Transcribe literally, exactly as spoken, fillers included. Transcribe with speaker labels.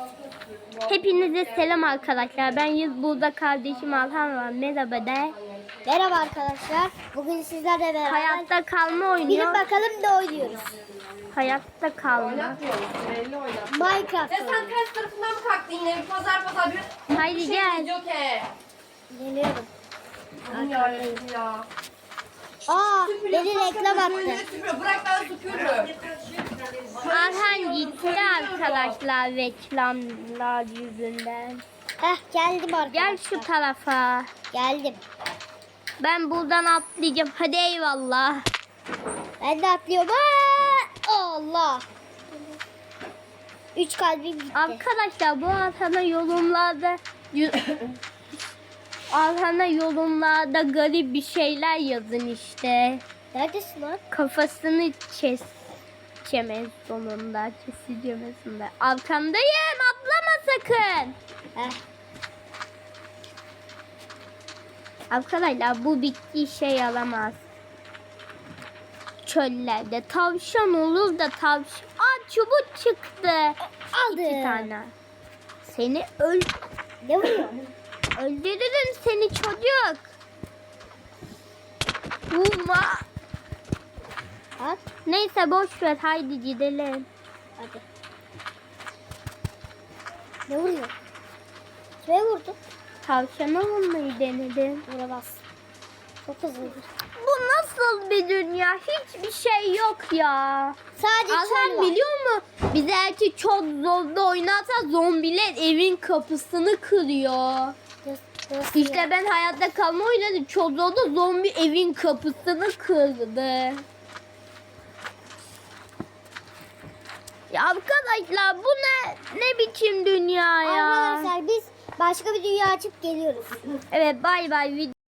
Speaker 1: Hepinize selam arkadaşlar. Ben Yüz burada kardeşim Alhan var. Merhaba de.
Speaker 2: Merhaba arkadaşlar. Bugün sizlerle beraber
Speaker 1: Hayatta kalma oynuyor.
Speaker 2: bilin bakalım ne oynuyoruz.
Speaker 1: Hayatta kalma.
Speaker 2: Minecraft.
Speaker 3: Ya sen ters tarafından mı kalktın yine? Pazar pazar bir
Speaker 1: Haydi
Speaker 3: şey
Speaker 1: gel.
Speaker 3: video ke.
Speaker 2: Geliyorum.
Speaker 3: Aman yarabbim ya.
Speaker 2: Aa,
Speaker 3: Süpürüyor,
Speaker 2: beni
Speaker 3: kalk
Speaker 2: reklam
Speaker 3: kalk,
Speaker 2: attı.
Speaker 3: böyle süpürüyor. Bırak ben süpürürüm.
Speaker 1: Alhan gitti arkadaşlar reklamlar yüzünden.
Speaker 2: Heh, geldim arkadaşlar.
Speaker 1: Gel şu tarafa.
Speaker 2: Geldim.
Speaker 1: Ben buradan atlayacağım. Hadi eyvallah.
Speaker 2: Ben de atlıyorum. Aa, Allah. Üç kalbim gitti.
Speaker 1: Arkadaşlar bu Alhan'a yorumlarda Alhan'a yorumlarda garip bir şeyler yazın işte.
Speaker 2: Neredesin lan?
Speaker 1: Kafasını kes çemez sonunda keseceğim sonunda. Arkandayım, atlama sakın.
Speaker 2: Heh.
Speaker 1: Arkadaşlar bu bitki işe yaramaz. Çöllerde tavşan olur da tavşan. Aa, çubuk çıktı.
Speaker 2: Aldım.
Speaker 1: İki tane. Seni öl
Speaker 2: Ne vuruyor?
Speaker 1: öldürürüm seni çocuk. Vurma.
Speaker 2: At.
Speaker 1: Neyse boş ver, haydi gidelim.
Speaker 2: Hadi. Ne vuruyor? Kime vurdu?
Speaker 1: Tavşana vurmayı denedim.
Speaker 2: Vuramaz. Çok hızlı.
Speaker 1: Bu nasıl bir dünya? Hiçbir şey yok ya.
Speaker 2: Sadece çöl
Speaker 1: Alhan
Speaker 2: var.
Speaker 1: biliyor mu? Biz eğer ki çok zorda oynarsa zombiler evin kapısını kırıyor.
Speaker 2: Nasıl- nasıl
Speaker 1: İşte
Speaker 2: ya?
Speaker 1: ben hayatta kalma oynadım. Çok zorda zombi evin kapısını kırdı. Ya arkadaşlar bu ne ne biçim dünya ya?
Speaker 2: Arkadaşlar biz başka bir dünya açıp geliyoruz.
Speaker 1: Evet, bay bay.